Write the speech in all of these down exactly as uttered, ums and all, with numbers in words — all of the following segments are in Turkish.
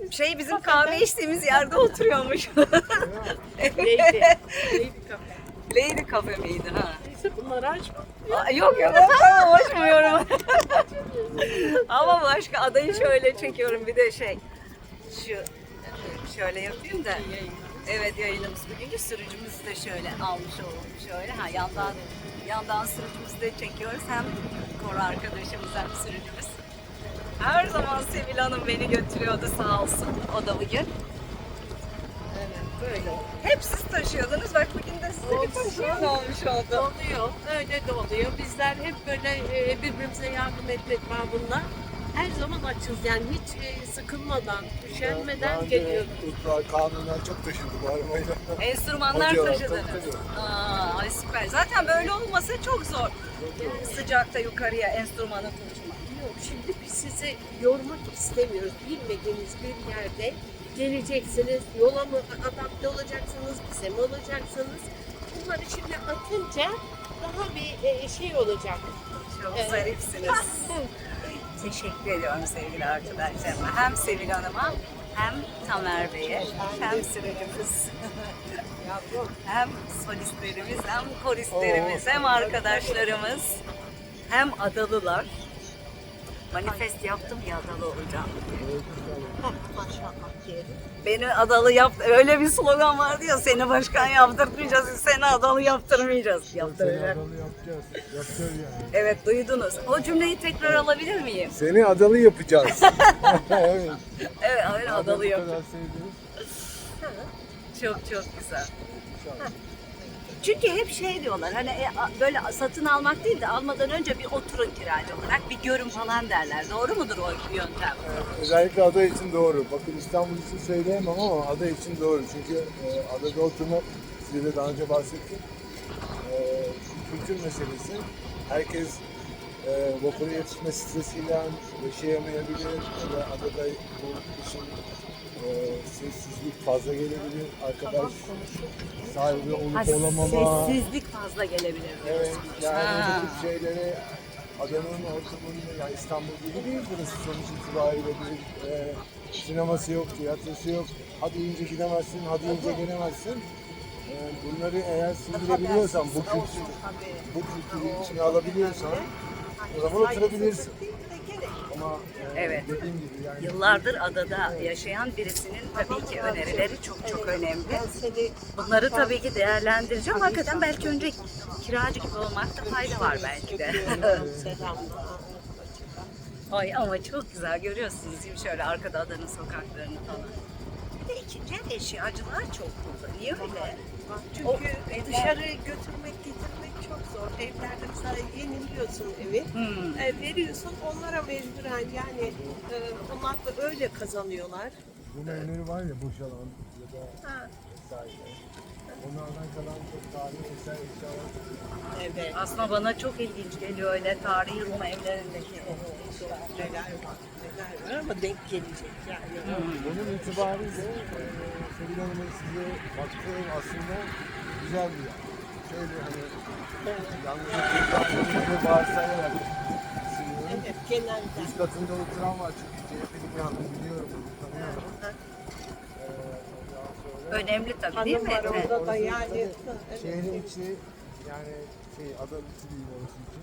Şey bizim kahve içtiğimiz yerde oturuyormuş. Lady. Lady Cafe. Lady Cafe miydi ha? Neyse bunları açma. Aa, yok yok tamam açmıyorum. Ama başka adayı şöyle çekiyorum bir de şey. Şu şöyle yapayım da. Evet yayınımız bugünkü sürücümüzü de şöyle almış olalım şöyle. Ha yandan yandan sürücümüzü de çekiyoruz. Hem Kore arkadaşımız hem sürücümüz. Her zaman Sevil Hanım beni götürüyordu sağ olsun. O da bugün. Evet böyle. Hep siz taşıyordunuz. Bak bugün de size bir taşıyan olmuş oldu. Oluyor. Öyle de oluyor. Bizler hep böyle e, birbirimize yardım etmek babında her zaman açız. Yani hiç e, sıkılmadan, üşenmeden geliyoruz. Kanunlar çok taşındı bu arabayla. Enstrümanlar Hocalar, taşıdınız. tabii, tabii. Aa, ay süper. Zaten böyle olmasa çok zor. Sıcakta yukarıya enstrümanı taşımak. Yok, şimdi biz sizi yormak istemiyoruz. Bilmediğiniz bir yerde geleceksiniz, yola mı adapte olacaksınız, bize mi olacaksınız? Bunları şimdi atınca daha bir e, şey olacak. Çok Evet. zarifsiniz. Teşekkür ediyorum sevgili arkadaşlarıma. Hem Sevil Hanım'a hem Tamer Bey'e hem sürücümüz. Hem solistlerimiz hem koristlerimiz hem arkadaşlarımız hem adalılar. Manifest yaptım ya adalı olacağım. Maşallah diyelim. Beni adalı yap, öyle bir slogan vardı ya, seni başkan yaptırmayacağız, seni adalı yaptırmayacağız. Seni Yaptıracak. adalı yapacağız. Yapacağız yani. Evet duydunuz. O cümleyi tekrar alabilir miyim? Seni adalı yapacağız. Evet. Evet öyle adalı Bu yap. kadar sevdiniz. Çok çok güzel. Çünkü hep şey diyorlar hani e, a- böyle satın almak değil de almadan önce bir oturun kiracı olarak bir görün falan derler. Doğru mudur o yöntem? Özellikle ada için doğru. Bakın İstanbul için söyleyemem ama ada için doğru. Çünkü e, adada oturmak, size de daha önce bahsettim. E, kültür meselesi. Herkes e, vapura yetişme stresiyle yaşayamayabilir. Ya da adada bu işin e, sessizlik fazla gelebilir. Arkadaş sahibi olup Ha, olamama. sessizlik fazla gelebilir Evet, diyorsunuz. yani Ha. bu tip şeyleri adanın ortamında, yani İstanbul gibi değil burası sonuç itibariyle bir e, sineması yok, tiyatrosu yok. Hadi ince gidemezsin, hadi ince gelemezsin. E, bunları eğer sindirebiliyorsan, bu kültür, bu kültürü içine alabiliyorsan o zaman oturabilirsin. Ama e, Evet. dediğim gibi yani Yıllardır adada yaşayan birisinin tabii ki önerileri çok çok önemli. Bunları tabii ki değerlendireceğim. Hakikaten belki önce kiracı gibi olmakta fayda var belki de. Selam. Ay ama çok güzel görüyorsunuz değil mi? Şöyle arkada adanın sokaklarını falan. Bir de ikinci el eşyacılar çok burada. Niye öyle? Çünkü dışarı götürmek, getirmek çok zor. Evlerde mesela yeniliyorsun evi, Hmm. e, veriyorsun onlara mecburen yani e, onlar da öyle kazanıyorlar. bu menüleri var ya boşalan ya da Ha, vesaire. Onlardan kalan çok tarihi eser eşyalar. evet. Aslında bana çok ilginç geliyor öyle tarihi Rum evlerindeki eşyalar. Neler var, neler var ama denk gelecek yani. Bunun itibariyle e, Sevil Hanım'ın size baktığı aslında güzel bir yer. Şöyle hani yalnızca bir varsayarak düşünüyorum. Evet, genelde. Üst katında oturan var çünkü C H P'li bir hanım biliyorum onu tanıyorum. E, ondan sonra Önemli tabii değil mi? Hanım var Evet. orada da orası yani. tabii Evet. şehrin içi yani şey ada içi değil orası için.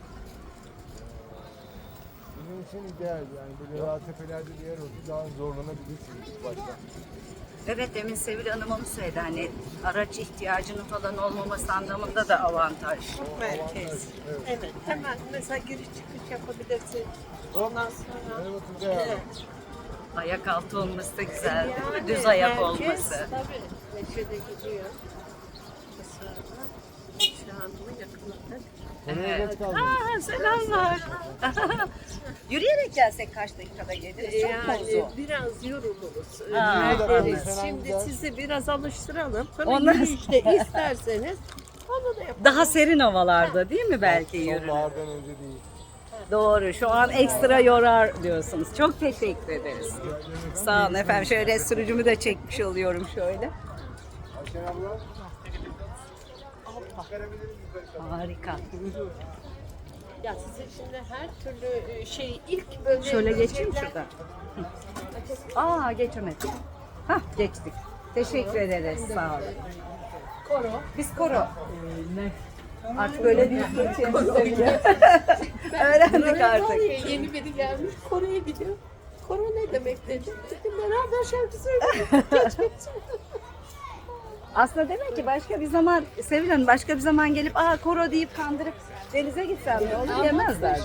E, Bizim için ideal yani böyle daha tepelerde bir yer olsa daha zorlanabilirsiniz ilk başta. Evet demin Sevil Hanım onu söyledi hani araç ihtiyacının falan olmaması anlamında da avantaj. Merkez. Evet. Evet, hemen mesela giriş çıkış yapabilirsin. Ondan sonra Merhaba Turgay abi. Evet. Ayak altı olması da güzel değil mi? Yani Düz ayak herkes, olması. Tabii, neşede gidiyor. Mesela şu anda yakınında. Oraya Evet. geç kaldınız. Aa, selamlar. Yürüyerek gelsek kaç dakikada geliriz? Çok mu Yani uzun? biraz yoruluruz. Ha. Nerederiz? Evet. Şimdi sizi biraz alıştıralım. Sonra Ondan yürüyüşte isterseniz onu da yapalım. Daha serin havalarda değil mi belki yürü? Sonbahardan önce değil. Doğru. Şu an ekstra yorar diyorsunuz. Çok teşekkür ederiz. Sağ olun efendim. Şöyle sürücümü de çekmiş oluyorum şöyle. Ayşen abla. Çıkarabiliriz yukarı. Harika. Ya size şimdi her türlü e, şey ilk böyle Şöyle geçeyim şeyler- şuradan. Aa geçemedim. Hah geçtik. Teşekkür ederiz. Sağ olun. Koro. Biz koro. Artık böyle bir Türkçemiz bile. Öğrendik Böyle var artık. ya, yeni biri gelmiş Kore'ye gidiyor. Koro ne demek dedim. Dedim beraber şarkı söyledik. Geç geç. Aslında demek ki başka bir zaman Sevil Hanım başka bir zaman gelip aa koro deyip kandırıp denize gitsem de olur yemezler.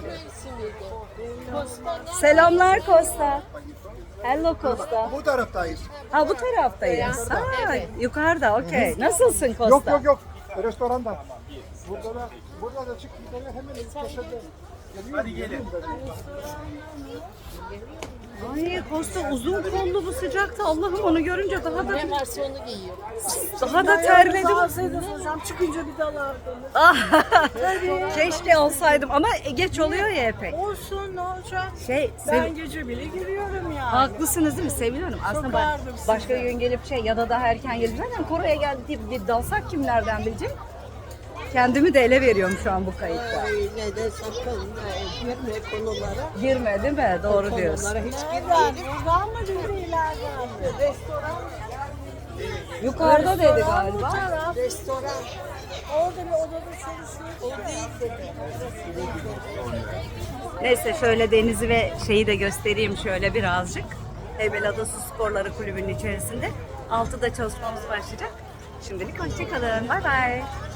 Selamlar Costa. Hello Costa. Bu taraftayız. Ha bu taraftayız. Ha, Evet. yukarıda okey. Nasılsın Costa? Yok yok yok. Restoranda. Burada da burada da çık bir tane hemen köşede. Hadi gelin. Ay Costa uzun kollu bu sıcakta. Allah'ım onu görünce daha da Ne varsa onu giyiyor. daha da terledim. Hocam çıkınca bir dalardım. Ah, keşke olsaydım ama geç oluyor ya epey. Olsun ne olacak? Şey, Ben Sev- gece bile giriyorum yani. haklısınız değil mi Sevil Hanım? Aslında ba- Sokardım sizi. başka gün gelip şey ya da daha erken gelip zaten Kore'ye geldi deyip bir dalsak kim nereden bilecek? Kendimi de ele veriyorum şu an bu kayıtta. Öyle de sakın e, girme konulara. Girme değil mi? Doğru diyorsun. Konulara hiç girmeyelim. Buradan mı dedi ileriden mi? Restoran. Yukarıda dedi Restoran bu galiba. taraf. Restoran. Orada bir odada çalışıyor. O değil dedi. Neyse şöyle denizi ve şeyi de göstereyim şöyle birazcık. Heybeliada Su Sporları Kulübü'nün içerisinde. altıda çalışmamız başlayacak. Şimdilik hoşçakalın. Bay bay.